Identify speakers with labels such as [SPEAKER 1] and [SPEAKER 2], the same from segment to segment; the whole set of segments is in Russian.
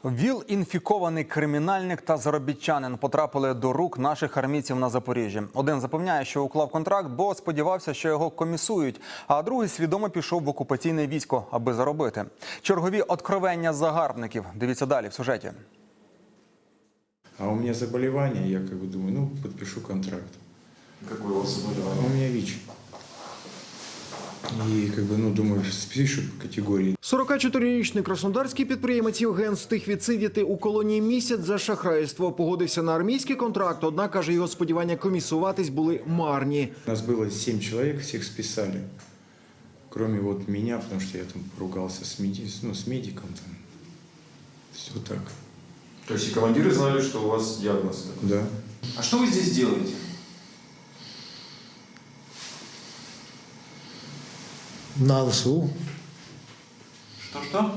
[SPEAKER 1] ВІЛ-інфікований кримінальник та заробітчанин потрапили до рук наших армійців на Запоріжжі. Один запевняє, що уклав контракт, бо сподівався, що його комісують, а другий свідомо пішов в окупаційне військо, аби заробити. Чергові откровення загарбників. Дивіться далі в сюжеті.
[SPEAKER 2] А у меня заболевание, я думаю, подпишу контракт.
[SPEAKER 3] Какое у вас заболевание?
[SPEAKER 2] А у меня ВИЧ. І, думаю, спишуть по категорії.
[SPEAKER 4] 44-річний краснодарський підприємець Євген встиг відсидіти у колонії місяць за шахрайство. Погодився на армійський контракт, однак, каже, його сподівання комісуватись були марні.
[SPEAKER 2] У нас було 7 чоловік, всіх списали. Кроме меня, потому что я там поругался с медиком. Все так.
[SPEAKER 3] То есть и командиры знали, что у вас диагноз?
[SPEAKER 2] Да.
[SPEAKER 3] А что вы здесь делаете?
[SPEAKER 5] На ВСУ.
[SPEAKER 3] Что-что?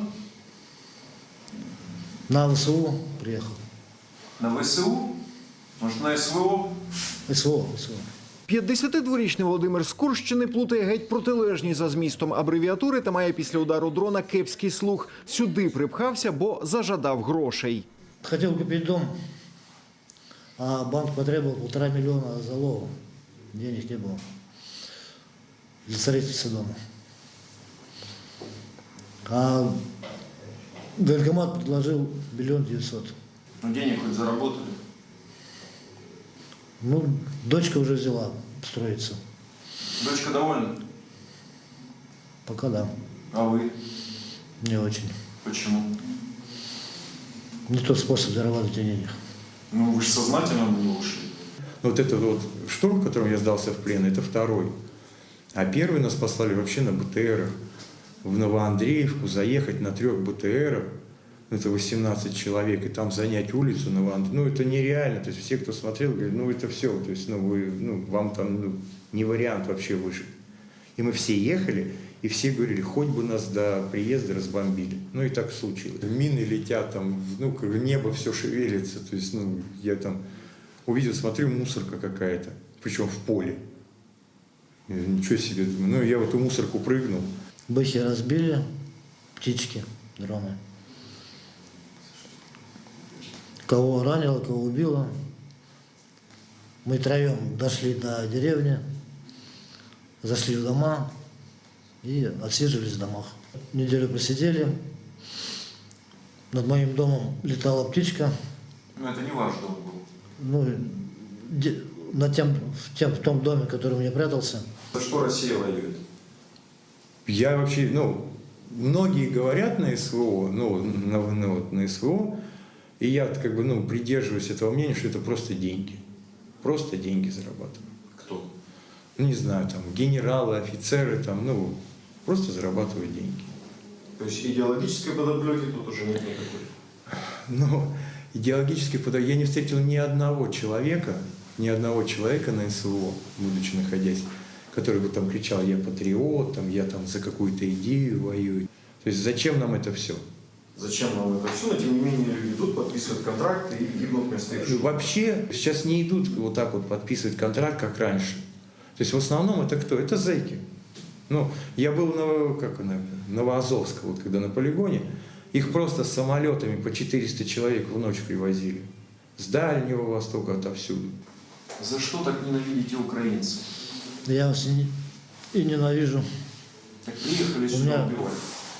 [SPEAKER 5] На ВСУ приехал.
[SPEAKER 3] На ВСУ? Может, на СВО?
[SPEAKER 5] СВО.
[SPEAKER 4] 52-річний Володимир з Курщини плутає геть протилежні за змістом абревіатури та має після удару дрона кепський слух. Сюди припхався, бо зажадав грошей.
[SPEAKER 5] Хотел купить дом, а банк потребовал 1,5 миллиона залога. Денег не было для строительства дома. А военкомат предложил 1 900 000.
[SPEAKER 3] Ну, денег хоть заработали?
[SPEAKER 5] Дочка уже взяла строиться.
[SPEAKER 3] Дочка довольна?
[SPEAKER 5] Пока да.
[SPEAKER 3] А вы?
[SPEAKER 5] Не очень.
[SPEAKER 3] Почему?
[SPEAKER 5] Не тот способ зарабатывать денег.
[SPEAKER 3] Ну, вы же сознательно на него ушли.
[SPEAKER 2] Вот этот штурм, в котором я сдался в плен, это второй. А первый нас послали вообще на БТРах в Новоандреевку, заехать на 3 БТРах, это 18 человек, и там занять улицу Новоандреевку. Это нереально. То есть все, кто смотрел, говорят, это все. То есть, вам там не вариант вообще выжить. И мы все ехали, и все говорили, хоть бы нас до приезда разбомбили. И так случилось. Мины летят, там, небо все шевелится. То есть, я там увидел, смотрю, мусорка какая-то, причем в поле. Ничего себе, думаю. Я в эту мусорку прыгнул.
[SPEAKER 5] Бэхи разбили, птички, дроны. Кого ранило, кого убило. Мы троем дошли до деревни, зашли в дома и отсиживались в домах. Неделю просидели. Над моим домом летала птичка.
[SPEAKER 3] Ну, это не ваш дом был.
[SPEAKER 5] В том доме, в котором я прятался.
[SPEAKER 3] За что Россия воюет?
[SPEAKER 2] Я вообще, многие говорят на СВО, на СВО, и я придерживаюсь этого мнения, что это просто деньги. Просто деньги зарабатывают.
[SPEAKER 3] Кто?
[SPEAKER 2] Не знаю, там, генералы, офицеры, просто зарабатывают деньги.
[SPEAKER 3] То есть идеологической подоплеки тут уже нет никакой?
[SPEAKER 2] Идеологической подоплеки я не встретил ни одного человека на СВО, будучи находясь, который бы там кричал, я патриот, я за какую-то идею воюю. То есть зачем нам это все?
[SPEAKER 3] Зачем нам это все? Но тем не менее люди идут, подписывают контракты и гибнут вместо их.
[SPEAKER 2] Вообще сейчас не идут так подписывать контракт, как раньше. То есть в основном это кто? Это зэки. Я был на Новоазовске, когда на полигоне, их просто самолетами по 400 человек в ночь привозили. С Дальнего Востока, отовсюду.
[SPEAKER 3] За что так ненавидите украинцев?
[SPEAKER 5] Я вас и ненавижу.
[SPEAKER 3] Так приехали сюда убивать.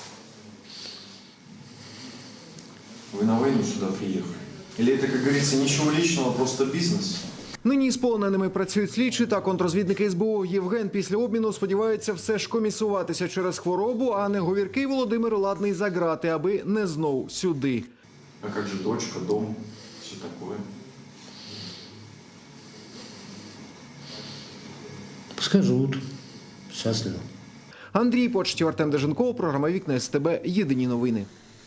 [SPEAKER 3] Вы на войну сюда приехали? Или это, как говорится, ничего личного, просто бизнес?
[SPEAKER 4] Нині з полоненими працюють слідчі та контрозвідники СБУ. Євген після обміну сподівається все ж комісуватися через хворобу, а неговіркий Володимир ладний за грати, аби не знов сюди.
[SPEAKER 3] А как же дочка, дом, все такое?
[SPEAKER 5] Пускай живут счастливо.
[SPEAKER 4] Андрій Почтів, Артем Деженков, програма «Вікна СТБ». Єдині новини.